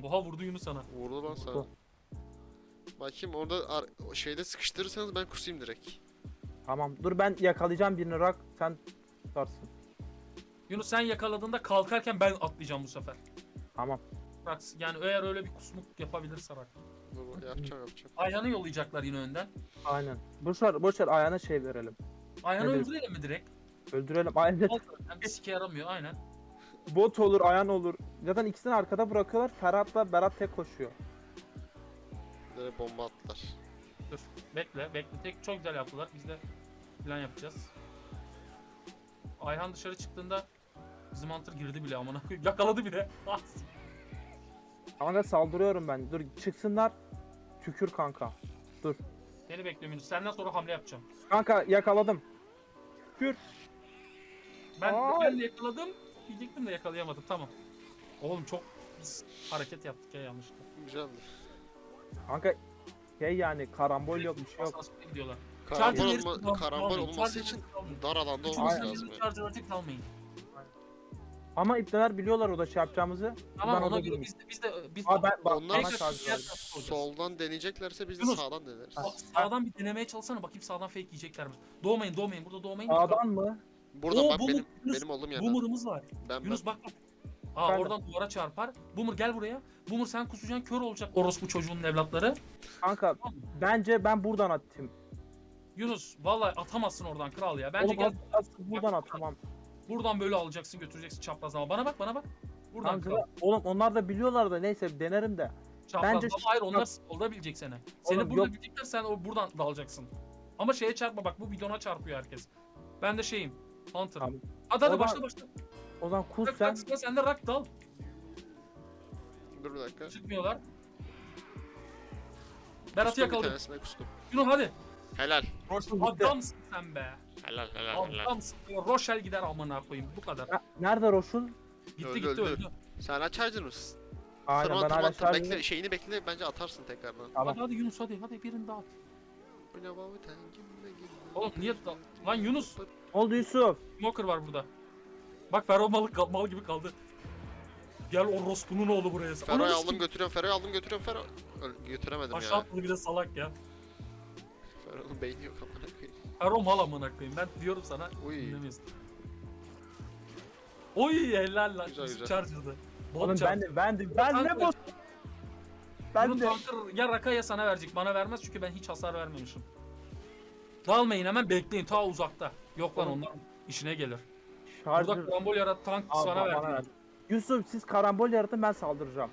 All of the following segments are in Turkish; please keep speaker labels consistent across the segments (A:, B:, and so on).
A: Oha vurdu Yunus sana.
B: Vurdu lan sana.
C: Vurdu.
B: Bakayım orada şeyde sıkıştırırsanız ben kusayım direkt.
C: Tamam dur ben yakalayacağım birini Rak. Sen tutarsın.
A: Yunus sen yakaladığında kalkarken ben atlayacağım bu sefer.
C: Tamam.
A: Bak yani eğer öyle bir kusmuk yapabilirse bak.
B: Dur, yapacağım.
A: Ayhan'ı yollayacaklar yine önden.
C: Aynen. Boşver ayağına şey verelim.
A: Ayhan'ı
C: Evet.
A: öldürelim mi direkt?
C: Öldürelim. Aynen.
A: Hem bir sike yaramıyor aynen.
C: Bot olur, Ayhan olur. Zaten ikisini arkada bırakıyorlar. Ferhat'la Berat tek koşuyor.
B: Direkt bomba attılar.
A: Dur bekle. Tek çok güzel yaptılar. Biz de plan yapacağız. Ayhan dışarı çıktığında bizim Hunter girdi bile amına koyayım. Yakaladı bile.
C: Kanka saldırıyorum ben. Dur çıksınlar. Tükür kanka. Dur.
A: Seni bekliyorum Yunus. Senden sonra hamle yapacağım.
C: Kanka yakaladım. Tükür.
A: Ben de yakaladım. Diyecektim de yakalayamadım. Tamam. Oğlum çok biz hareket yaptık ya yanlışlıkla.
B: Güzeldi.
C: Kanka şey yani karambol yok bir şey yok.
A: Asansöre gidiyorlar.
B: Karambol,
A: Charger yarısı kalmayın,
B: karambol olması
A: charger
B: için
A: yarısı kalmayın.
B: dar alanda
A: Üçümüz
B: olması
A: de
B: lazım yani.
A: charger artık kalmayın.
C: Ama ipneler biliyorlar o da şey yapacağımızı.
A: Tamam
C: Ben
A: ona
C: orada
A: göre
C: durayım.
A: biz
C: Aa ben bak
B: Onlar
C: bana şarj
A: yer-
C: verdi.
B: soldan deneyeceklerse biz de
A: Yunus.
B: sağdan deneriz.
A: sağdan bir denemeye çalışsana bakayım sağdan fake yiyecekler mi? Doğmayın burada doğmayın.
C: Sağdan mı?
B: Burada
A: Oo,
B: bak
A: Boomer, Yunus,
B: benim olduğum yerden.
A: Boomer'ımız var.
B: Ben
A: Yunus bak. Aa
C: Ben de.
A: oradan duvara çarpar. Boomer gel buraya. Boomer sen kusacaksın kör olacak orospu çocuğunun evlatları.
C: Kanka bence ben buradan atayım.
A: Yunus vallahi atamazsın oradan kral ya. Bence
C: Oğlum
A: gel
C: buradan at tamam.
A: buradan böyle alacaksın götüreceksin çapraz ama. Bana bak. Buradan
C: Kanka,
A: kral.
C: oğlum onlar da biliyorlar da neyse denerim de.
A: Çapraz
C: bence
A: ama hayır onlar solda bilecek seni. Seni
C: Oğlum,
A: burada
C: yok.
A: bilecekler sen buradan dalacaksın. Ama şeye çarpma bak bu bidona çarpıyor herkes. Ben de şeyim. Hunter'ım.
C: Tamam.
A: Hadi
C: O zaman
A: başla.
C: O zaman kus
A: Rak,
C: sen.
A: sen de rak dal.
B: Dur bir dakika.
A: Çıkmıyorlar. Berat'ı
B: Kustum bir
A: yakaladım.
B: tanesine kustum.
A: Yunus hadi.
B: Helal.
A: Adamsın sen be.
B: Helal.
A: Adamsın. Rochelle gider amına koyayım bu kadar.
C: Nerede Roşul?
A: Gitti
B: Öldü.
A: öldü.
B: Sen hala charger mısın?
C: Aynen ben hala
B: Tırman.
C: şarj
B: Bekle şeyini bekle bence atarsın tekrardan.
C: Tamam.
A: Hadi Yunus hadi birini daha at. Oğlum niye lan Yunus
C: Ne oldu Yusuf?
A: Smoker var burada. Bak Ferro mal gibi kaldı. Gel orospu'nun oğlu buraya.
B: Fero'yu
A: Ananı
B: aldım götürüyorum Fero. Götüremedim
A: aşağı
B: ya.
A: atladı bir de salak ya.
B: Fero'nun beyni yok amına koyayım.
A: Ferro mal amına koyayım. Ben diyorum sana.
B: Uy.
A: Dinlemiyorsun. Oy helal lan.
B: Güzel.
A: Charger'dı.
C: Oğlum ben ne
A: Kanka,
C: bot? Ben
A: Bunu
C: de.
A: tanker ya Raka ya sana verecek. Bana vermez çünkü ben hiç hasar vermemişim. Dalmayın hemen bekleyin ta uzakta. Yok lan
C: Oğlum.
A: onlar işine gelir. Burada
C: Şarjır.
A: karambol yarat tank
C: Al,
A: sana
C: bana ver.
A: verdi.
C: Yusuf siz karambol yaratın ben saldıracağım.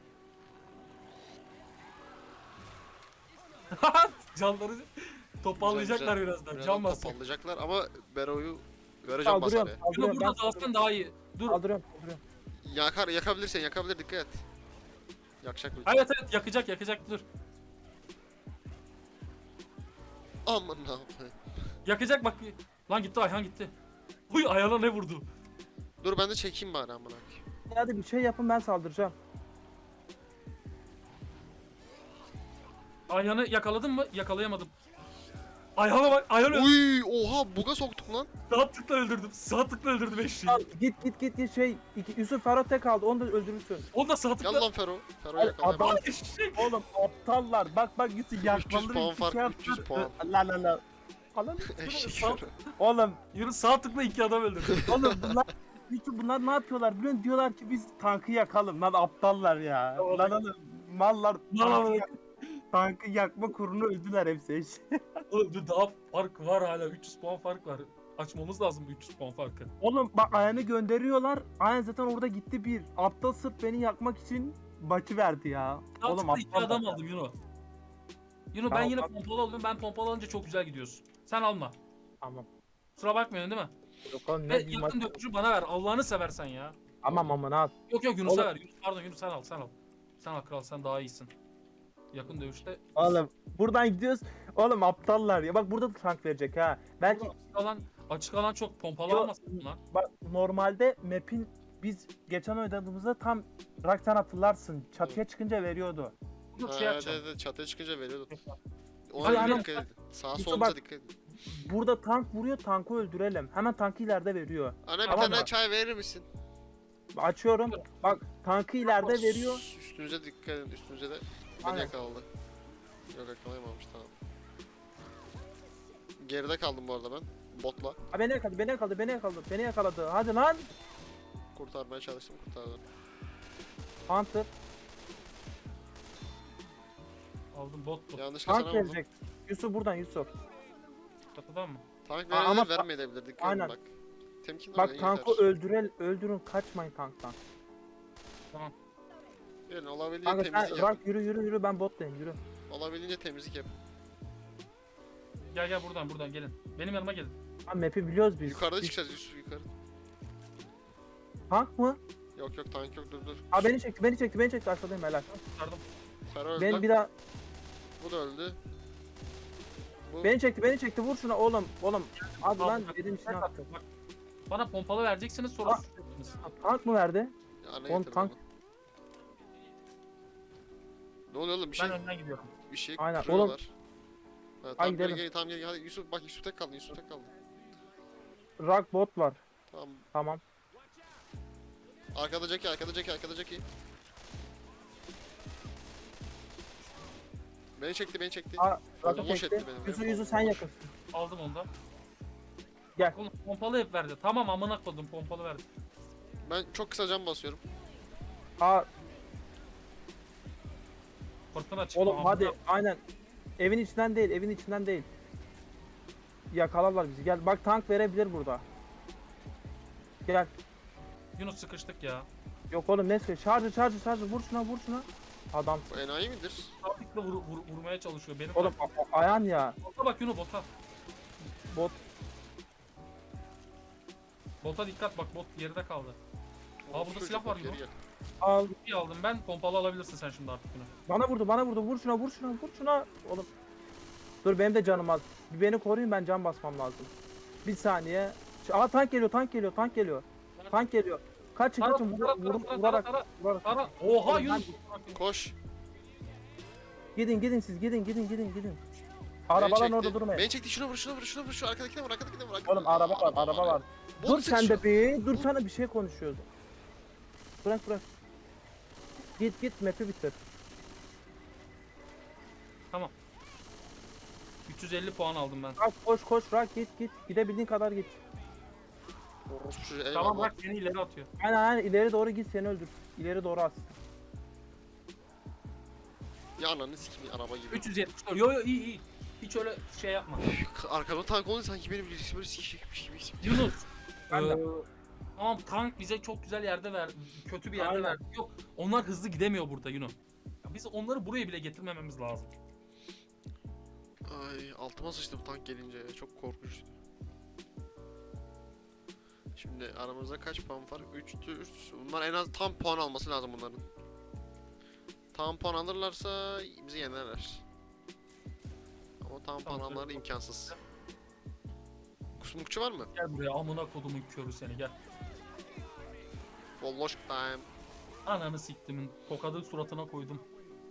A: Canları toparlayacaklar birazdan. Can basacak.
B: Topallayacaklar ama Bero'yu vereceğim
C: Saldırıyorum.
B: basarya.
A: Bunu
C: Saldırıyorum.
A: burada
C: Ben
A: dalsan daha iyi. Dur.
C: saldırıyorum.
B: Yakabilir dikkat et. Yakacak mı?
A: Evet yakacak dur.
B: Aman ne yapayım.
A: Yakacak bak. Lan gitti Ayhan gitti. Huy Ayhan'a ne vurdu?
B: Dur ben de çekeyim bari amına koyayım.
C: Hadi bir şey yapın ben saldıracağım.
A: Ayhan'ı yakaladın mı? Yakalayamadım. Ayhan'a bak. Ayhan öldü.
B: Uy oha buga soktuk lan.
A: Sağ tıkla öldürdüm eşeği.
C: Al, git şey Yusuf Ferhat tek kaldı onu da öldürürsün.
A: Onu da sağ
B: Gel
A: tıkla.
B: lan Fero. Fero
C: Ay,
B: yakalayamadım.
C: adam-
A: Eşek.
C: Oğlum aptallar bak Yusuf yakmaları
B: 300 puan
C: iki
B: fark,
C: şey
B: 300 puan.
C: La. Falan.
B: Eşek
A: Sal-
B: Fero.
C: Oğlum
A: Yunus sağ tıkla 2 adam öldürdü.
C: bunlar ne yapıyorlar biliyor musun? Diyorlar ki biz tankı yakalım lan aptallar ya.
A: Oğlum.
C: Lan oğlum mallar
A: Lan oğlum.
C: tankı yakma kurunu öldüler hepsi.
A: Oğlum dur daha fark var hala 300 puan fark var. Açmamız lazım bu 300 puan farkı.
C: Oğlum bak Ayhan'ı gönderiyorlar. Ayhan zaten orada gitti bir. Aptal sırf beni yakmak için maçı verdi ya.
A: Sağ
C: Oğlum
A: tıkla 2
C: aptal
A: adam
C: bak ya.
A: aldım Yunus. Yunus ben
C: Tamam,
A: yine
C: tamam.
A: pompalı alıyorum. Ben pompalı alınca çok güzel gidiyorsun. Sen alma.
C: Tamam.
A: Kusura bakmıyorsun değil mi?
C: Yok oğlum
A: Ve
C: ne bir maç.
A: yakın dövüşü bana ver. Allah'ını seversen ya.
C: Aman al.
A: Yok Yunus'a
C: Oğlum.
A: ver. Yunus sen al. Sen al kral sen daha iyisin. Yakın dövüşte.
C: Oğlum buradan gidiyoruz. Oğlum aptallar ya. Bak burada da tank verecek ha. Belki
A: Açık alan çok pompalı
C: Yok.
A: almasın bunlar.
C: bak normalde map'in biz geçen oynadığımızda tam Raksan hatırlarsın. Çatıya çıkınca veriyordu.
A: Yok şey
B: Ha,
A: yapacağım.
B: evet, çatıya çıkınca veriyordu.
C: Hayır,
B: Ona
C: ama-
B: dikkat edin. Sağa
C: Yusuf
B: solunuza
C: bak-
B: dikkat edin.
C: Burada tank vuruyor, tankı öldürelim. Hemen tankı ileride veriyor.
B: Ana bir
A: Tamam
B: tane
A: mı?
B: çay verir misin?
C: Açıyorum. Bak tankı ileride veriyor.
B: Üstü Üstünüze dikkat edin. Üstünüze de beni
C: Aynen.
B: yakaladı. Yok yakalayamamış tamam. Geride kaldım bu arada ben. Botla.
C: Ha, beni yakaladı, beni yakaladı, beni yakaladı, beni yakaladı. Hadi lan.
B: Kurtarmaya çalıştım kurtardım.
C: Hunter.
A: Aldım bot bu.
B: Yanlışlıkla
C: Tank
B: sana vurdum.
C: gelecek. Yusuf buradan Yusuf.
A: Çatıdan mı?
B: Tank
C: Aa, ama
B: verebilir vermeyebilir. Dikkat edin
C: aynen.
B: bak. Temkinli
C: Bak
B: oynayın
C: tankı
B: yeter.
C: öldürün kaçmayın tanktan.
B: Yani olabildiğince
C: Kanka
B: temizlik
C: sen
B: yapın.
C: Rak yürü ben bottayım yürü.
B: Olabildiğince temizlik yapın.
A: Gel buradan gelin. Benim yanıma gelin.
C: Ha map'i biliyoruz biz.
B: Yukarıda
C: Biz-
B: çıkacağız Yusuf yukarı.
C: Tank mı?
B: Yok tank yok dur.
C: Ha beni çekti aşağıdayım helal.
A: Kurtardım.
B: Ferro öldü
C: Ben
B: lan.
C: bir daha
B: Bu da öldü. Bu
C: beni çekti vur şuna oğlum. Hadi
A: Aldım,
C: lan
A: bak,
C: dedim içine
A: bak,
C: attı.
A: bak. Bana pompalı vereceksiniz sonra
C: Aa.
A: susacaksınız.
C: Ha, tank mı verdi?
B: ana
C: Oğlum,
B: getirdi
C: tank-
B: onu. Ne oluyor oğlum bir şey
A: Ben önden gidiyorum.
C: Aynen,
B: kırıyorlar. Ha,
C: Ay,
B: tamam
C: gidelim.
B: gel tamam gel hadi Yusuf bak Yusuf tek kaldı Yusuf tek kaldı.
C: Rak bot var.
B: Tamam
C: Tamam.
B: arkada Jackie. Beni çekti.
C: Aa,
B: Fazla
C: Rak'ı
B: boş
C: çekti.
B: etti beni.
C: Yüzü sen yakınsın.
A: Aldım onu da.
C: Gel.
A: Oğlum pompalı hep verdi. Tamam amına koydum pompalı verdi.
B: Ben çok kısa cam basıyorum.
C: Aa
A: Fırtına çıktı.
C: oğlum
A: amına.
C: hadi aynen. Evin içinden değil. Yakalarlar bizi. Gel bak tank verebilir burada. Gel.
A: Yunus sıkıştık ya.
C: Yok oğlum ne söylüyor? Şarjı vur şuna. Adam.
B: Bu enayi midir?
A: Sabitle vurmaya çalışıyor. Benim
C: Oğlum ayağın ya.
A: Bota bak Yunus bota.
C: Bot.
A: Bota dikkat bak bot geride kaldı. Aa, burada
B: Çocuk
A: silah var
B: bak,
A: Yunus.
B: geri gel.
C: Al.
A: İyi aldım ben. Pompalı alabilirsin sen şimdi artık bunu.
C: Bana vurdu. Vur şuna. Oğlum. Dur benim de canım az. Bir beni koruyun ben can basmam lazım. Bir saniye. Aa tank geliyor. Kaçın. Vurarak.
A: Ara. Oha
C: Oğlum,
A: Yunus.
B: Koş.
C: Gidin siz gidin.
B: Beni
C: Arabaların
B: çekti.
C: orada durmayın.
B: Beni çekti şuna vur şu arkadakine vur.
C: Oğlum araba var.
B: Bot
C: Dur sen
B: sıkışıyor.
C: de bir. Dur sana bir şey konuşuyoruz. Bırak. Git map'i bitir.
A: Tamam. 350 puan aldım ben.
C: Rak koş Rak git. Gidebildiğin kadar git.
B: Orospu çocuğu, eyvallah.
A: Tamam bak seni ileri atıyor.
C: Aynen ileri doğru git seni öldür. İleri doğru at.
B: Ya ananı sikeyim araba gibi.
A: 374. Yo iyi. Hiç öyle şey yapma.
B: Arkamda tank olunca sanki beni birisi böyle sikecekmiş gibi hissediyorum.
A: Yunus.
C: Ben de.
A: Tamam tank bize çok güzel yerde ver, kötü bir yerde
C: Aynen.
A: verdi. Yok, onlar hızlı gidemiyor burada Yunus. Ya biz onları buraya bile getirmememiz lazım.
B: Ay altıma sıçtım tank gelince çok korkunçtu. Şimdi aramızda kaç puan var? 3'tü. Bunlar en az tam puan alması lazım bunların. Tam puan alırlarsa bizi yenerler. Ama tam puan
A: Tamam,
B: almaları
A: söyle.
B: imkansız. Kusmukçu var mı?
A: Gel buraya amına kodumun körü seni gel.
B: Bolloş time.
A: Ananı siktimin tokadı suratına koydum.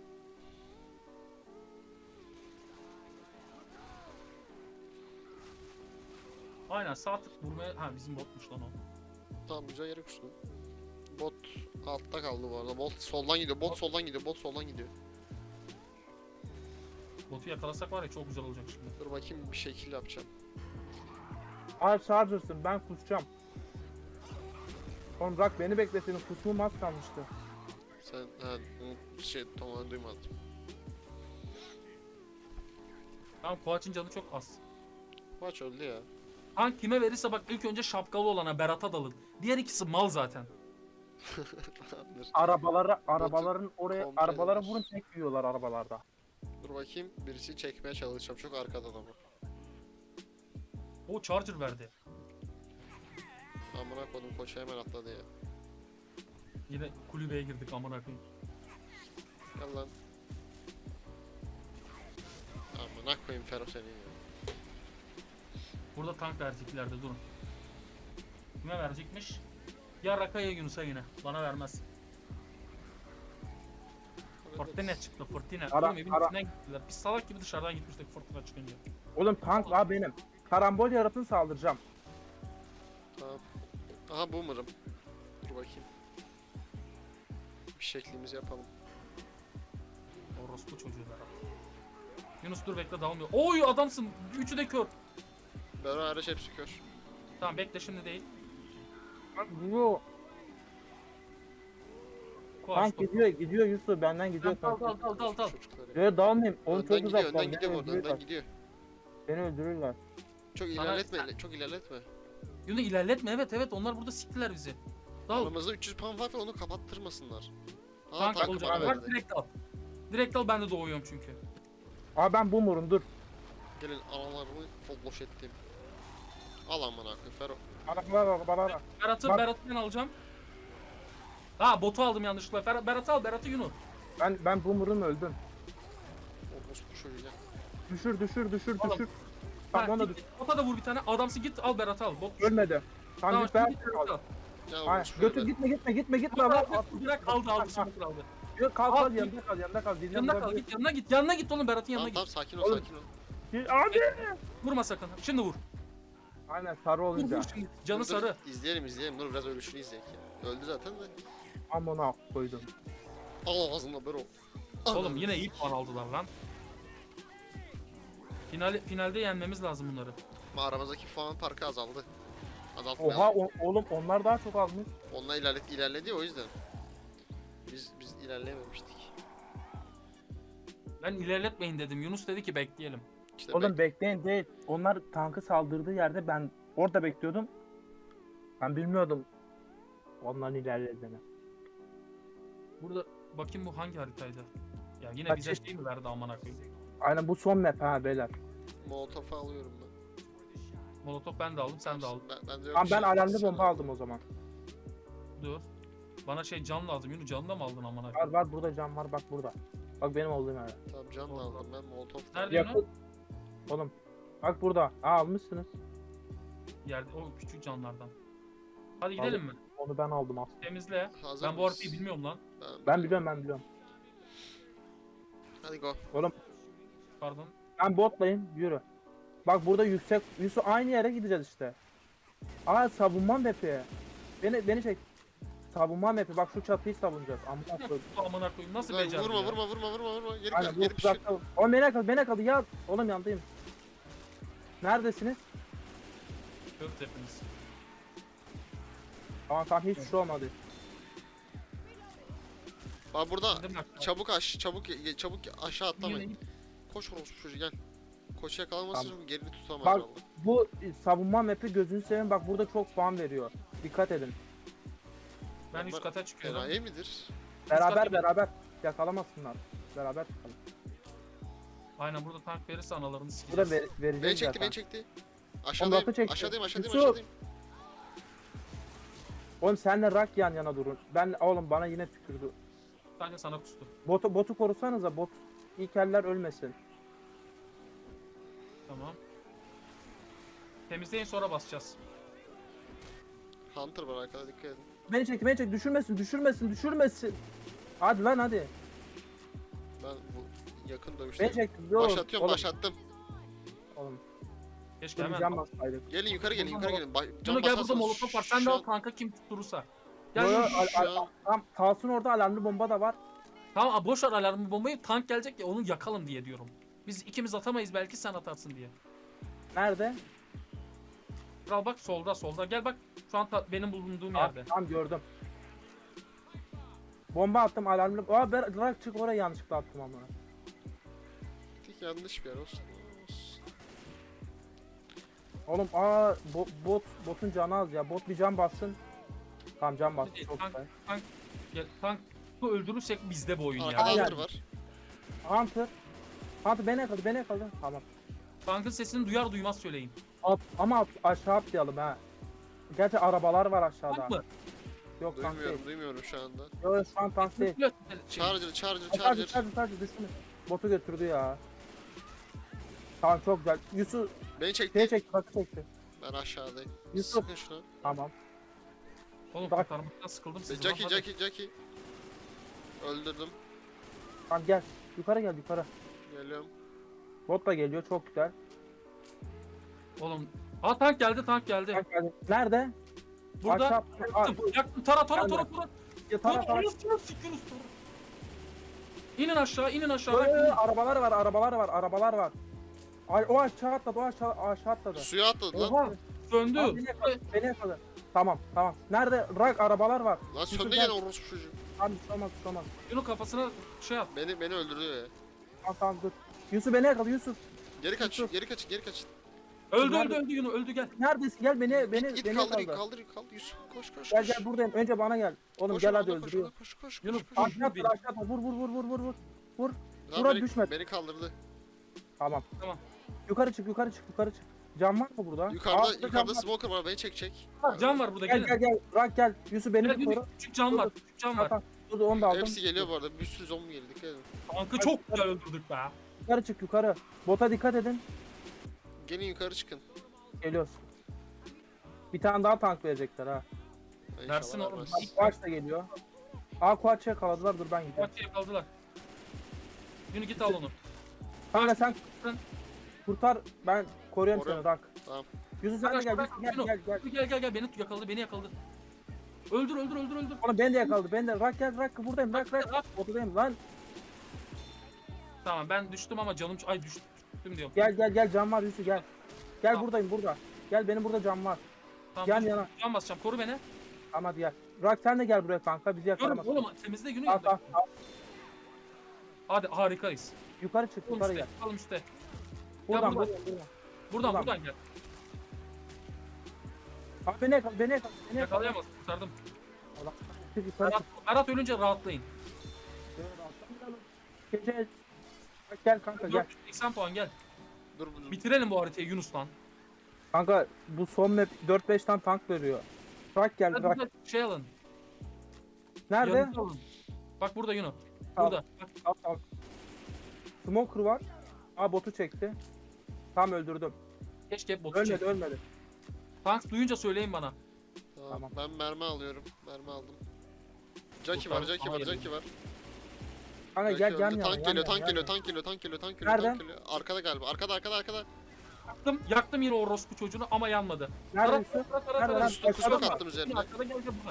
A: Aynen sağ tık vurmaya... Ha bizim botmuş lan o.
B: Tamam güzel yere kustum. Bot altta kaldı bu arada. Bot soldan gidiyor. Bot soldan gidiyor.
A: Botu yakalasak var ya çok güzel olacak şimdi.
B: Dur bakayım bir şekil yapacağım.
C: Ay Charger'sın ben kusacağım. Oğlum Rak beni bekleseydin kusmum az kalmıştı.
B: Sen tamamen duymadım.
A: Tamam Kovaç'ın canı çok az.
B: Maç öldü ya.
A: Tank kime verirse bak ilk önce şapkalı olana Berat'a dalın. Diğer ikisi mal zaten.
B: Tamamdır.
C: Arabaların oraya
B: komple
C: arabalara
B: eder.
C: vurun tek yiyorlar arabalarda.
B: Dur bakayım birisi çekmeye çalışacağım. Çok arkada ama.
A: O charger verdi.
B: Amına koydum koça hemen atladı ya.
A: Yine kulübeye girdik amına koyayım.
B: Gel lan. Amına koyayım Fero seni ya.
A: Burada tank vereceklerdi durun. Kime verecekmiş? Ya Raka'ya Yunus'a yine. Bana vermez. Fırtına çıktı fırtına.
C: Ara-
A: Oğlum evin
C: ara-
A: içinden gittiler. Biz salak gibi dışarıdan gitmiştik fırtına çıkınca.
C: Oğlum tank la benim. Karambol yaratın saldıracağım.
B: Tamam. Aha boomer'ım. Dur bakayım. Bir şeklimizi yapalım.
A: Orospu çocuğu Berat. Yunus dur bekle dalmıyor. Oy adamsın. Üçü de kör.
B: Bero hariç hepsi kör.
A: Tamam bekle şimdi değil.
C: Gidiyor.
A: Koş,
C: Tank
A: koş.
C: gidiyor Yusuf benden gidiyor
A: Dal
C: tank.
A: dal.
B: Çocukları.
C: Böyle dalmayayım. Oğlum
B: Önden
C: çok
B: gidiyor,
C: uzaklar.
B: önden gidiyor bu arada, önden gidiyor.
C: Beni öldürürler.
B: Çok
A: Sana-
B: ilerletme, çok ilerletme.
A: Yunus ilerletme evet onlar burada siktiler bizi. Dal.
B: Aramızda 300 puan var ve onu kapattırmasınlar. Aa,
A: Tank
B: tankı
A: olacak.
B: bana
A: Bak
B: verdi.
A: direkt al. Direkt al ben de doğuyorum çünkü.
C: Abi ben boomer'ım dur.
B: Gelin analarını full boş ettim. Al amına koyayım Fero.
C: Bana.
A: Berat'ı
C: Bak.
A: ben alacağım. Ha botu aldım yanlışlıkla. Berat'ı al Berat'ı Yunus.
C: Ben boomer'ım öldüm.
B: Orospu çocuğu ya.
C: Düşür.
A: Oğlum.
C: Tamam onu da
A: git, bota da vur bir tane. Adamsı git al Berat'ı al. Bot
C: ölmedi. Tamam
A: Tamam
C: git ben.
A: git Berat'ı al.
B: Ya
C: Hayır,
B: orospu
C: götür
B: çocuğu.
C: gitme
A: Bırak,
C: lan.
A: bırak aldı smoker aldı.
C: Yok kal
A: Al,
C: yanında kal.
A: Yanına kal git yanına git oğlum Berat'ın yanına
B: Tamam
A: git.
B: tamam sakin ol
C: Oğlum.
B: sakin ol.
C: Abi.
A: Vurma sakın. Şimdi vur.
C: Aynen sarı
A: Vur
C: olunca.
A: vur şimdi. Canı
B: Dur,
A: sarı.
B: İzleyelim dur biraz ölüşünü izleyek ya. Öldü zaten de.
C: Amına koydum.
B: Al ağzına Bero.
A: Oğlum yine iyi puan aldılar lan. Finalde yenmemiz lazım bunları.
B: Ama aramızdaki puan farkı azaldı. Azaltmayalım.
C: Oha oğlum onlar daha çok almış.
B: Onunla ilerledi ya, o yüzden. Biz ilerleyememiştik.
A: Ben ilerletmeyin dedim. Yunus dedi ki bekleyelim.
B: İşte
C: Oğlum bekleyin değil. Onlar tankı saldırdığı yerde ben orada bekliyordum. Ben bilmiyordum onların ilerlediğini.
A: Burada bakayım bu hangi haritaydı? Ya yine
C: Kaç
A: bize
C: yaş-
A: şey mi verdi amına koyayım?
C: Aynen bu son map ha beyler.
B: Molotof'u alıyorum ben.
A: Molotof ben de aldım, sen de aldın.
B: Ben de yok
C: Tamam
B: bir
C: ben
B: şey.
C: alarmlı
B: Sen
C: bomba
B: al.
C: aldım o zaman.
A: Dur. Bana şey can lazım. Yunus canını da mı aldın amına
C: Var
A: koyayım?
C: var burada cam var bak burada. Bak benim olduğum yerde.
B: Tamam can da aldım ben Molotof'tan.
A: Nerede
C: Yakın.
A: Yunus?
C: Oğlum bak burada. Aa almışsınız.
A: Yerde o küçük canlardan. Hadi gidelim mi?
C: Onu ben aldım aslında.
A: Temizle.
B: Hazır
A: Ben bu
B: mıyız?
A: haritayı bilmiyorum lan.
C: Ben biliyorum.
B: Hadi go.
C: Oğlum
A: Pardon.
C: ben botlayayım yürü. Bak burada yüksek. Yusuf aynı yere gideceğiz işte. Aa savunma map'i. Beni çek. Savunma map'i bak şu çatıyı savunacağız. Amına koyayım.
A: Bu amına koyayım nasıl
B: Güzel,
A: becerdi
B: vurma
A: ya?
B: vurma. Geri
C: Aynen
B: gel
C: bu
B: geri pişir.
C: uzakta. Oğlum beni yakaladı ya. Oğlum yandayım. Neredesiniz?
A: Yok hepiniz.
C: Tamam hiçbir şey olmadı.
B: Bak burada
A: İndim bak.
B: çabuk aşağı atlamayın.
A: Yine-
B: Koş orospu çocuğu gel. Koçu yakalamasın çünkü gerini tutamaz
C: Bak
B: vallahi.
C: bu savunma map'i gözünü seveyim bak burada çok puan veriyor. Dikkat edin.
A: Ben üst kata çıkıyorum.
B: Enayi midir?
C: Beraber yakalamasınlar. Beraber çıkalım.
A: Aynen burada tank verirse analarını
C: Bu da
A: sikeceğiz.
C: vereceğiz
B: Beni
C: zaten.
B: çekti. Aşağıdayım.
C: Ondatı çekti.
B: Aşağıdayım.
C: Yusuf! Oğlum senle rak yan yana durun. Oğlum bana yine tükürdü.
A: Sadece sana kustu.
C: Botu korusanıza bot. İlk eller ölmesin.
A: Tamam. Temizleyin sonra basacağız.
B: Hunter var arkada, dikkat edin.
C: Beni çek düşürmesin. Hadi lan hadi.
B: Ben bu yakın
C: Beni
B: dövüşte
C: çek.
B: başlatıyorum,
C: Oğlum,
B: başlattım.
C: Oğlum
A: Keşke hemen.
C: can basaydık.
B: Gelin yukarı gelin.
A: Bunu
B: Can
A: gel burada
B: basarsanız
A: molotof var. Sen de
B: şu
A: al
B: an-
A: kanka kim tutturursa. Gel
C: Yo,
A: yürü.
B: şu an-
C: Tamam Talsun orada alarmlı bomba da var.
A: Tamam boş ver alarmı bombayı, tank gelecek ya onu yakalım diye diyorum. Biz ikimiz atamayız belki sen atarsın diye.
C: Nerede?
A: Kral bak solda gel bak şu an benim bulunduğum
C: Ah,
A: yerde.
C: tamam gördüm. Bomba attım alarmlı. Aa bırak çık oraya yanlışlıkla attım ama.
B: Tek yanlış bir yer olsun.
C: Oğlum botun canı az ya. Bot bir can bassın. Tamam can bastı çok
A: Tank,
C: güzel.
A: Gel, tank bu öldürürsek bizde bu oyun ya.
B: Arkada
C: Aynen.
B: Hunter var.
C: Hunter beni yakaladı. Tamam.
A: Tankın sesini duyar duymaz söyleyin.
C: Ama aşağı atlayalım ha. Gerçi arabalar var aşağıda.
A: Tank mı?
C: Yok tank değil.
B: Duymuyorum şu anda.
C: Yok şu an tank değil.
B: Charger.
C: Sadece düşsün. Botu götürdü ya. Tamam çok güzel. Yusuf
B: Beni çekti.
C: şeye çekti, takı çekti.
B: Ben aşağıdayım.
C: Yusuf.
B: Sıkın şunu.
C: Tamam.
A: Oğlum
C: Bak.
A: kurtarmaktan sıkıldım sizden.
B: Jackie. Öldürdüm.
C: Tamam gel. Yukarı gel.
B: Geliyorum.
C: Bot da geliyor çok güzel.
A: Oğlum. Aa tank geldi.
C: Tank geldi. Nerede?
A: Burada
C: Aşağı-
A: yaktım. Tara.
C: Ya, tara.
A: Sikiyoruz tara. İnin aşağı, inin aşağı.
C: Yo,
A: Bak,
C: yo, yo,
A: inin.
C: arabalar var, arabalar var, arabalar var. Ay, o aşağı atladı, o aşağı atladı.
B: Suya atladı lan.
A: Oha, söndü.
C: Abi beni yakaladı. Tamam, tamam. Nerede? Rak arabalar var.
B: Lan
C: Yusuf
B: söndü
C: gel.
B: gene orospu çocuğu.
C: Abi bir şey olmaz, bir şey olmaz.
A: Yunus kafasına şey at.
B: Beni öldürdü ya.
C: Tamam, tamam dur. Yusuf beni yakaladı, Yusuf.
B: Geri kaç,
C: Yusuf.
B: geri kaç, geri kaç.
A: Öldü
C: Nerede?
A: öldü öldü Yunus, öldü gel.
C: Neredesin? Gel beni
B: Git
C: beni
B: kaldır,
C: yakaladı.
B: kaldır, kaldır. Yusuf koş koş
C: Gel
B: koş.
C: gel buradayım. Önce bana gel. Oğlum
B: Koş
C: gel
B: ona,
C: hadi
B: koş
C: öldürüyor.
B: ona, koş koş
A: Yunus,
B: koş koş.
A: koş.
C: Aşağı atla, aşağı atla. Vur.
B: Lan
C: Murat
B: beni,
C: düşmedi.
B: beni kaldırdı.
C: Tamam.
A: Tamam.
C: Yukarı çık. Cam var mı burada?
B: Yukarıda,
C: Altta
B: yukarıda
C: cam var.
B: smoker var, beni çekecek.
A: Can var burada,
C: Gel
A: gelin.
C: gel. Rak gel. Yusuf beni
A: Gel,
C: bir koru.
A: küçük can var, küçük can var.
C: Tamam. Dur onu da aldım.
B: Hepsi geliyor bu arada, bir sürü zombi geliyor, dikkat edin.
A: Tankı çok güzel öldürdük be.
C: Yukarı çık yukarı. Bota dikkat edin.
B: Gelin yukarı çıkın.
C: Geliyoruz. Bir tane daha tank verecekler ha.
B: İnşallah
A: Versin oğlum.
B: vermez.
C: Kuaç da geliyor. Kuaç'ı yakaladılar. Dur ben gidiyorum.
A: Maçı yakaladılar. Yunus git al onu.
C: Kanka sen
A: Sen-
C: kurtar. Ben koruyorum seni
B: Koruyorum.
C: Rak.
B: Tamam.
C: Yusuf sen de gel.
A: Bırak,
C: Yusuf, gel
A: Yunus.
C: gel.
A: Beni yakaladı. Öldür.
C: Oğlum beni de yakaladı. Ben de Rak gel. Rak buradayım. Rak.
A: Rak.
C: Botadayım lan.
A: Tamam ben düştüm ama canım düştüm diyorum.
C: Gel cam var Yusuf gel. Gel
A: Tamam.
C: buradayım burada. Gel benim burada cam var.
A: Tamam,
C: yan
A: düştüm.
C: yana.
A: Can basacağım, koru beni.
C: Tamam hadi gel. Rak sen de gel buraya kanka. Bizi
A: Görüm
C: yakalamaz.
A: oğlum, temizle Yunus.
C: Tamam.
A: Hadi harikayız.
C: Yukarı çık.
A: Oğlum
C: Yukarı
A: üstte,
C: gel.
A: alım üstte.
C: Buradan
A: buradan.
C: buradan.
A: Buradan gel.
C: Abi beni yakala. Beni yakala.
A: Yakalayamaz, kurtardım.
C: Allah. Çık yukarı çık.
A: Berat ölünce rahatlayın.
C: Gece. Bak gel kanka gel.
A: 480 puan gel.
B: Dur,
A: Bitirelim bu haritayı Yunus lan.
C: Kanka bu son map 4-5 tane tank veriyor. Rak gel
A: Hadi
C: Rak.
A: burada şey alın.
C: Nerede?
A: yanıcı alın. Bak burada Yunus.
C: Tamam.
A: Burada. Bak,
C: Al. Smoker var. Botu çekti. Tam öldürdüm.
A: keşke hep botu
C: Ölmedi
A: çek.
C: ölmedi.
A: Tanks duyunca söyleyin bana.
B: Tamam.
C: Tamam.
B: Ben mermi alıyorum. Mermi aldım. Jackie
A: Kurtar-
B: var, Jackie var,
A: Hayır.
B: Jackie var.
C: Kanka
B: Jackie
C: gel
B: öldü.
C: yan yana.
B: Tank
C: yan
B: geliyor,
C: yana,
B: tank
C: yan
B: geliyor,
C: yana.
B: tank geliyor, tank geliyor, tank
C: Nerede?
B: geliyor, tank geliyor. Arkada galiba. Arkada.
A: Yaktım yine o orospu çocuğunu ama yanmadı.
C: Nerede
A: Tarat,
C: Yusuf?
A: tarat,
C: Nerede
A: tarat.
C: lan?
B: Üstü kusma
C: Aşağıda mı?
B: kattım üzerine.
A: Arkada gel bak.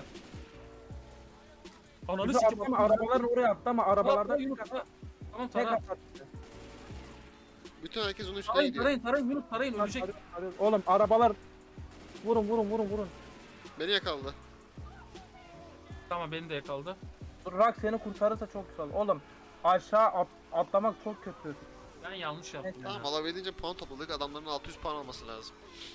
A: Ananı
C: Yusuf
A: sikim.
C: atlama arabaların oraya atlama. Arabalarda
A: Yunus. Tamam
C: tek
A: tarat.
C: at.
B: Bütün herkes onun üstüne
A: Tarayın
B: gidiyor.
A: tarayın Yunus tarayın ölecek.
C: Oğlum arabalar vurun.
B: Beni yakaladı.
A: Tamam beni de yakaladı.
C: Rak seni kurtarırsa çok güzel. Oğlum aşağı atlamak çok kötü.
A: Ben yanlış yaptım.
B: Tamam,
A: ya.
B: alabildiğince puan topladık. Adamların 600 puan alması lazım.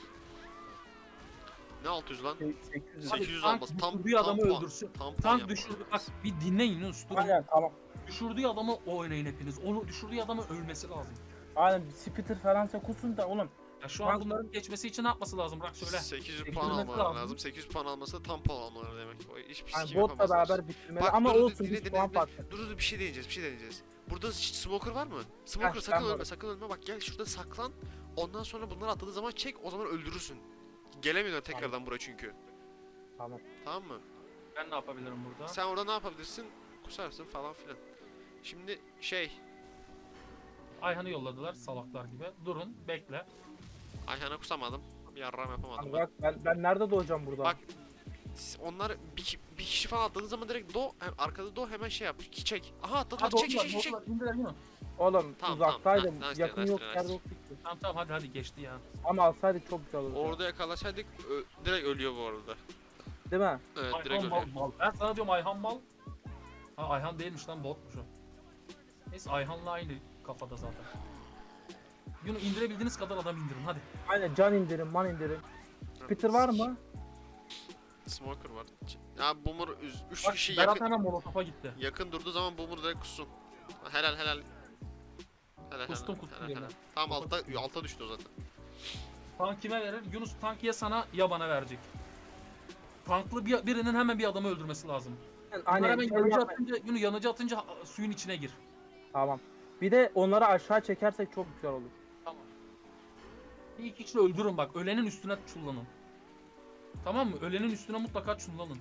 B: Ne 600 lan?
C: 800.
A: Hadi
B: 800
A: tank
B: olması. Tam
A: düşürdüğü adamı
B: puan.
A: öldürsün.
B: Tam puan
A: Tank
B: yapmaları
A: düşürdü. Bak
B: lazım.
A: bir dinleyin Yunus. Durun.
C: Aynen tamam.
A: Düşürdüğü adamı oynayın hepiniz. Onu düşürdüğü adamı ölmesi lazım.
C: Aynen Spitter falansa kusun da oğlum.
A: Ya şu an
C: Tank-
A: bunların geçmesi için ne yapması lazım? Bırak söyle.
B: 800
A: Çekilmesi
B: puan almaları
A: lazım.
B: lazım. 800 puan alması da tam puan almaları demek. O hiçbir
C: Yani
B: sikim
C: botla
B: yapamazlar.
C: beraber bitirmeli
B: Bak,
C: ama
B: dur,
C: olsun
B: dinle,
C: bir
B: dinle,
C: puan
B: dinle.
C: farkı.
B: Dur bir şey deneyeceğiz. Burada hiç smoker var mı? Smoker
C: Heh,
B: sakın
C: ben
B: ölme,
C: varım.
B: sakın ölme. Bak gel şurada saklan. Ondan sonra bunlar atladığı zaman çek, o zaman öldürürsün. Gelemiyorlar tekrardan buraya çünkü.
C: Tamam.
B: Tamam mı?
A: Ben ne yapabilirim burada?
B: Sen orada ne yapabilirsin? Kusarsın falan filan. Şimdi
A: Ayhan'ı yolladılar salaklar gibi. Durun, bekle.
B: Ayhan'a kusamadım. Bir yarram yapamadım.
C: Bak ben nerede doğacağım burada?
B: Bak, onlar bir kişi falan atladığı zaman direkt arkada hemen şey yap. Çek. Aha atladılar.
A: Hadi
B: Çek.
A: İndiler Yunus.
C: Oğlum
B: Tamam,
C: uzaktaydım.
B: tamam. Nice,
C: Yakın
B: nice,
C: yok
B: nice.
C: yerde yoktu ki.
A: Tamam hadi geçti ya.
C: Ama alsaydık çok güzel olurdu.
B: Orada yakalasaydık direkt ölüyor bu arada.
C: Değil mi?
B: Evet, direkt
A: Ayhan
B: ölüyor.
A: mal. Ben sana diyorum Ayhan mal. Ha Ayhan değilmiş lan, botmuş o. Neyse Ayhan'la aynı kafada zaten. Yunus indirebildiğiniz kadar adam indirin hadi.
C: Aynen can indirin man indirin. Spitter var mı?
B: Smoker var. Ya Boomer 3
A: Bak
B: kişi
A: Berat hemen Molotov'a gitti.
B: yakın durduğu zaman Boomer direkt kussun. Helal.
A: Kustum
B: helal.
A: yerine.
B: Tamam alta düştü o zaten.
A: Tank kime verir? Yunus tank ya sana ya bana verecek. Tanklı birinin hemen bir adamı öldürmesi lazım. Bunlar
C: Aynen.
A: hemen
C: şey
A: yanıcı
C: yapma-
A: atınca, Yunus yanıcı atınca suyun içine gir.
C: Tamam. Bir de onları aşağı çekersek çok güzel olur.
A: Tamam. Bir iki kişi öldürün bak. Ölenin üstüne çullanın. Tamam mı? Ölenin üstüne mutlaka çullanın.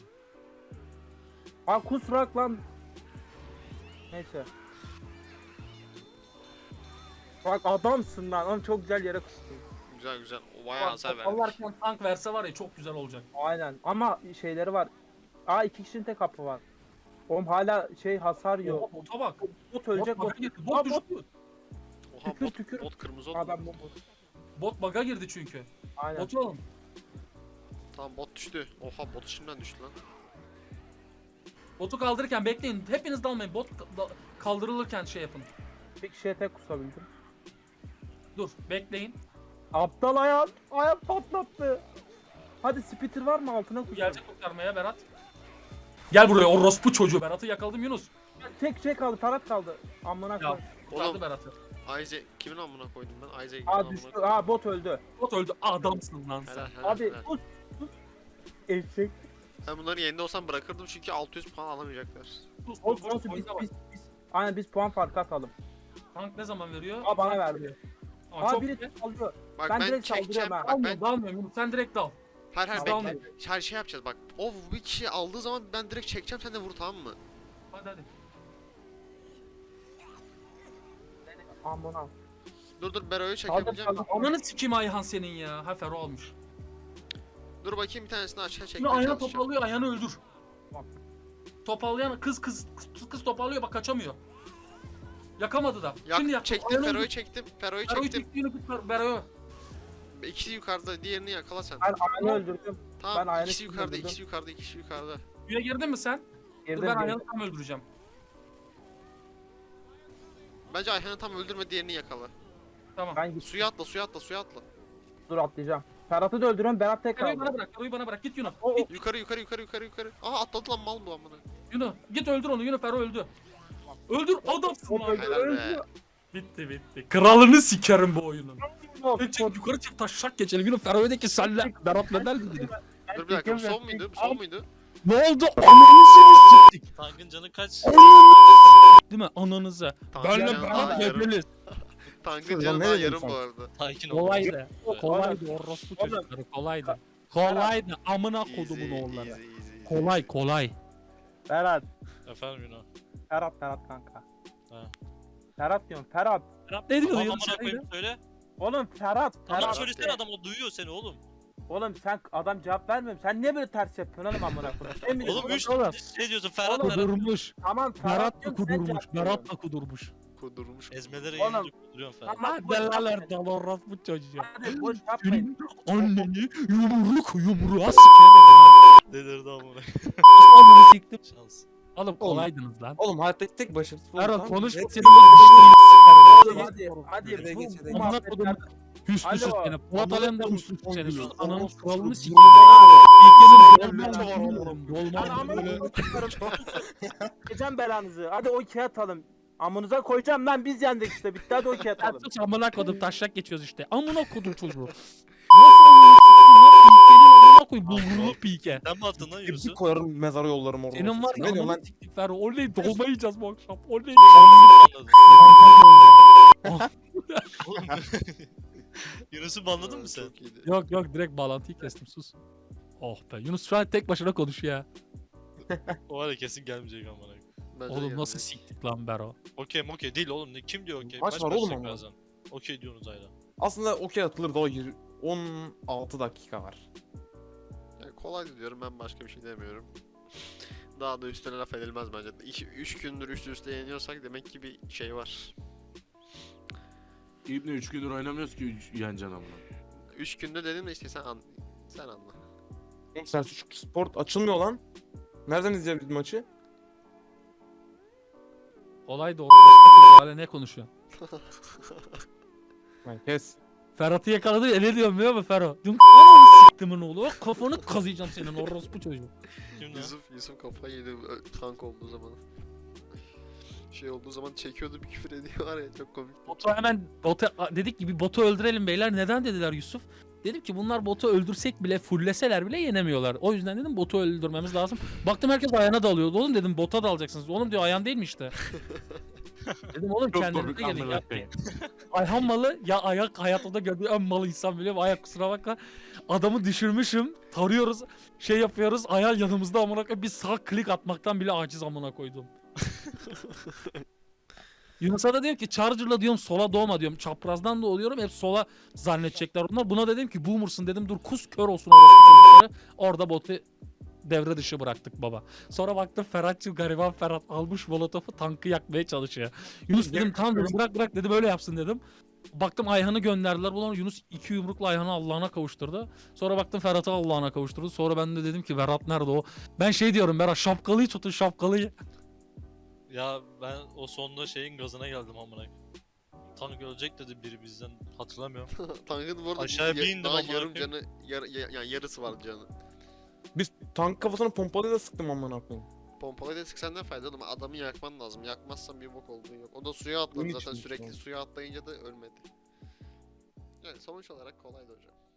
C: Kusrak lan. Neyse. Bak adamsın lan. Oğlum çok güzel yere kustun.
B: Güzel. O bayağı hasar vermiş.
A: Allah'tan tank verse var ya çok güzel olacak.
C: Aynen. Ama şeyleri var. 2 kişinin tek kapı var. Oğlum hala şey hasar yok.
A: Oha, bota bak.
C: Bot ölecek
A: Bot
C: bot.
A: bug'a girdi.
C: Aa,
A: Bot düştü.
B: Oha
C: Tükür,
B: bot,
C: tükür.
B: bot kırmızı oldu.
C: Adam bot.
A: Bot bug'a girdi çünkü.
C: Aynen.
A: Botu alın.
B: Tamam bot düştü. Oha bot şimdiden düştü lan.
A: Botu kaldırırken bekleyin. Hepiniz dalmayın. Bot kaldırılırken şey yapın.
C: Bir kişiye tek kusabildim.
A: Dur bekleyin.
C: Aptal ayağım. Ayağım patlattı. Hadi spitter var mı altına kusam.
A: Gelecek kurtarmaya Berat. Gel buraya orospu çocuğu. Berat'ı yakaladım Yunus.
C: Tek şey kaldı. Tarat kaldı. Amına
A: Ya.
C: koy.
A: Kurtardı
B: Oğlum
A: Berat'ı.
B: Isaac kimin amına koydum ben? Isaac'in
C: Aa
B: amına
C: düştü.
B: koydum.
C: Aa bot öldü.
A: Bot öldü. Adamsın lan sen.
B: Helal helal
C: Abi
B: helal.
C: sus. Sus. Eşek.
B: Ben bunların yerinde olsam bırakırdım çünkü 600 puan alamayacaklar.
A: Sus
C: Olsun
A: sus sus.
C: olsun biz,
A: Oyuna bak.
C: biz. Aynen biz puan farkı atalım.
A: Tank ne zaman veriyor?
C: Aa bana verdi.
A: Aa,
C: Aa
A: çok
C: biri
A: iyi.
C: alıyor.
B: Bak
C: Ben
B: ben,
C: direkt
B: çekeceğim.
C: saldırıyorum ha.
B: Bak ben
A: Dalmıyorum dalmıyorum Yunus. Sen direkt dal.
B: her
A: Tamam.
B: bekle. Her şey yapacağız bak. O bir kişi aldığı zaman ben direkt çekeceğim sen de vur tamam mı?
A: Hadi hadi.
C: Amına.
B: Dur Bero'yu
C: Kaldır
B: çekebileceğim.
C: kaldır.
A: Ananı sikeyim Ayhan senin ya. Ha Fero almış.
B: Dur bakayım bir tanesini aşağı
A: Şimdi
B: çekmeye
A: Ayhan'ı
B: çalışacağım.
A: topallıyor, Ayhan'ı öldür.
C: Tamam.
A: Topallayan kız topallıyor bak kaçamıyor. Yakamadı da. Şimdi yak.
B: Çektim
A: Ayhan'ı
B: Fero'yu
A: öldür.
B: çektim. Fero'yu
A: Fero'yu
B: çektim.
A: çekti yine git Bero'ya.
B: İkisi yukarıda diğerini yakala sen.
C: Ben Ayhan'ı öldürdüm.
B: Tamam
C: ben
B: ikisi
C: aynı
B: yukarıda
C: öldürdüm.
B: ikisi yukarıda ikisi yukarıda.
A: Suya girdin mi sen? Dur
C: Girdim
A: ben
C: girdim.
A: Ayhan'ı tam öldüreceğim.
B: Bence Ayhan'ı tam öldürme diğerini yakala.
A: Tamam.
C: Ben git.
B: Suya atla suya atla suya atla.
C: Dur atlayacağım. Ferhat'ı da öldürüyorum. Berat tek
A: Fero'yu
C: kaldı.
A: bana bırak, Fero'yu bana bırak. Git Yunus.
C: O-
A: Git
B: Yukarı yukarı yukarı yukarı yukarı. Aha atladı lan mal bu amına.
A: Yunus. Git öldür onu. Yunus Fero öldü. Öldür adamsın
C: O
A: lan.
C: öldü.
B: Helal be.
C: öldü.
A: Bitti. Kralını sikerim bu oyunun.
C: Yok,
A: Çık yukarı çık taşak geçelim. Yunus Fero'ya de ki senle. Berat ne der dedi.
B: Dur bir dakika bu son muydu? Bu son muydu?
A: Ne oldu? Ananızı mı siktik?
D: Tankın canı kaç?
A: Değil mi? Ananızı.
B: Tankın
A: Benle
B: canı
A: Berat
B: daha yarım.
A: gebeliz.
B: Tankın
E: Ulan
B: canı
E: ne
B: daha
E: dedin
B: yarım
E: sen?
B: bu arada.
D: Sakin ol.
A: Kolaydı.
D: Evet.
A: Kolaydı orospu çocukları. Kolaydı. Kolaydı. Amına kodumun oğulları.
B: Easy.
A: Kolay.
C: Ferhat.
D: Efendim Yunan.
C: Ferhat kanka.
D: Ha.
C: Ferhat diyorum. Ferhat.
A: Berat ne diyor?
D: Tamam
A: Yunus
D: amına
A: söyledi.
D: koyayım söyle.
C: Oğlum Ferhat.
D: Tamam
C: Ferhat.
D: söylesene adam o duyuyor seni oğlum.
C: Oğlum sen adam cevap vermiyor musun? Sen niye böyle ters yapıyorsun oğlum amına koyayım? Sen mi
D: Oğlum
C: diyorsun?
D: 3
A: oğlum.
D: şey diyorsun Ferhat
C: Oğlum,
D: Ferhat.
A: Kudurmuş.
C: Tamam
A: Berat da
C: diyorum, sen
A: kudurmuş.
C: cevap
A: Berat
C: veriyorsun.
A: da kudurmuş.
B: Kudurmuş.
D: Ezmelere
C: Oğlum.
D: gelince kuduruyorsun Ferhat.
C: Tamam, boş
A: Delaler
C: yapmayın.
A: dal orospu çocuğu.
C: Hadi boş yapmayın.
A: Senin anneni yumruğa sikerim ha.
D: Delirdi amına.
A: Nasıl ananı siktim?
D: Şans.
A: Oğlum kolaydınız lan.
E: Oğlum hayattaki tek başarısız oldu.
A: Berat
E: tamam mı?
A: konuşma
E: Evet.
A: senin dişlerini sikerim.
C: Hadi
E: Nereye
C: bu
E: geçelim?
C: muhabbetler-
A: Amına kodum. Hüsnüsüz
C: Alo.
A: seni. Polat Alemdar hüsnüsüz seni. Sus ananın kralını sikerim. İlkenin
C: Lan amına
A: böyle.
C: koyarım. Geçeceğim belanızı. Hadi o iki atalım. Amınıza koyacağım lan biz yendik işte. Bitti hadi o iki atalım.
A: Sus amına kodum taşak geçiyoruz işte. Amına kodum çocuğu. Nasıl amına siktim lan? Pikenin amına koy. Bulgurlu pike.
D: Sen mi attın lan
E: Bir
D: Yunus'u?
E: koyarım mezara yollarım orada.
A: Senin var
E: Ne
A: ya
E: diyorsun
A: ananı
E: lan?
A: siktik Ferro. Oley dolma yiyeceğiz bu akşam. Oley.
D: Anladın. Oğlum. Yunus'u banladın mı sen?
B: Çok iyiydi.
A: Yok direkt bağlantıyı kestim sus. Oh be Yunus şu an tek başına konuşuyor ya.
D: O var ya kesin gelmeyecek amına koyayım.
B: Bence
A: Oğlum
B: geldi.
A: nasıl siktik lan Bero.
D: Okey değil oğlum. Kim diyor okey?
E: Maç var oğlum
D: başlayacak
E: ama.
D: birazdan. Okey diyorsunuz hala.
E: Aslında okey atılır da o 16 dakika var.
B: Yani kolay diyorum ben başka bir şey demiyorum. Daha da üstüne laf edilmez bence. 3 gündür üst üste yeniyorsak demek ki bir şey var.
F: İbni 3 gündür oynamıyoruz ki yeneceksin amına.
B: 3 günde dedim de işte sen anla.
E: Oğlum Selçuk Sport açılmıyor lan. Nereden izleyebiliriz maçı?
A: Olay da orospu çocuğu hala ne konuşuyor?
E: Lan kes.
A: Ferhat'ı yakaladı ya ne diyorum biliyor musun Ferhat? Diyorum ananı siktimin oğlu. Kafanı kazıyacağım senin orospu çocuğu.
D: Kim lan?
B: Yusuf kafayı yedi tank olduğu zaman. Şey olduğu zaman çekiyordu bir küfür ediyor var ya çok komik.
A: Botu hemen dedik ki bir botu öldürelim beyler. Neden dediler Yusuf? Dedim ki bunlar botu öldürsek bile fullleseler bile yenemiyorlar. O yüzden dedim botu öldürmemiz lazım. Baktım herkes ayağına dalıyordu. Oğlum dedim bota dalacaksınız. Oğlum diyor ayağın değil mi işte? Dedim oğlum
F: Çok
A: kendinize
F: komik
A: gelin
F: amına
A: ya.
F: koyayım.
A: Ayhan malı ya ayak hayatta gördüğü en malı insan biliyorum. Ayak kusura bakma. Adamı düşürmüşüm. Tarıyoruz. Şey yapıyoruz. Ayhan yanımızda amına koyayım. Bir sağ klik atmaktan bile aciz amına koydum. Yunus'a da diyorum ki Charger'la diyorum sola doğma diyorum. Çaprazdan da oluyorum. Hep sola zannedecekler onlar. Buna dedim ki boomer'sın dedim. Dur kus kör olsun orospu çocukları. Orada botu devre dışı bıraktık baba. Sonra baktım Ferhatçı gariban Ferhat almış molotofu tankı yakmaya çalışıyor. Yunus dedim tamam dedim bırak dedi böyle yapsın dedim. Baktım Ayhan'ı gönderdiler. Ulan Yunus 2 yumrukla Ayhan'ı Allah'ına kavuşturdu. Sonra baktım Ferhat'ı Allah'ına kavuşturdu. Sonra ben de dedim ki Berat nerede o? Ben şey diyorum Berat şapkalıyı tutun şapkalıyı.
D: Ya ben o sonunda şeyin gazına geldim amına koyayım. Tank ölecek dedi biri bizden hatırlamıyorum.
B: Tankın bu arada
D: Aşağıya bir indim
B: daha
D: amına
B: yarım
D: koyayım.
B: canı, yani yarısı var canı.
E: Biz tank kafasına pompalıyla sıktım amına koyayım.
B: Pompalayla sıksan ne fayda oğlum? Adamı yakman lazım. Yakmazsan bir bok olduğu yok. O da suya atladı
E: Bunun
B: zaten
E: için
B: sürekli
E: işte.
B: suya atlayınca da ölmedi. Yani sonuç olarak kolaydı hocam.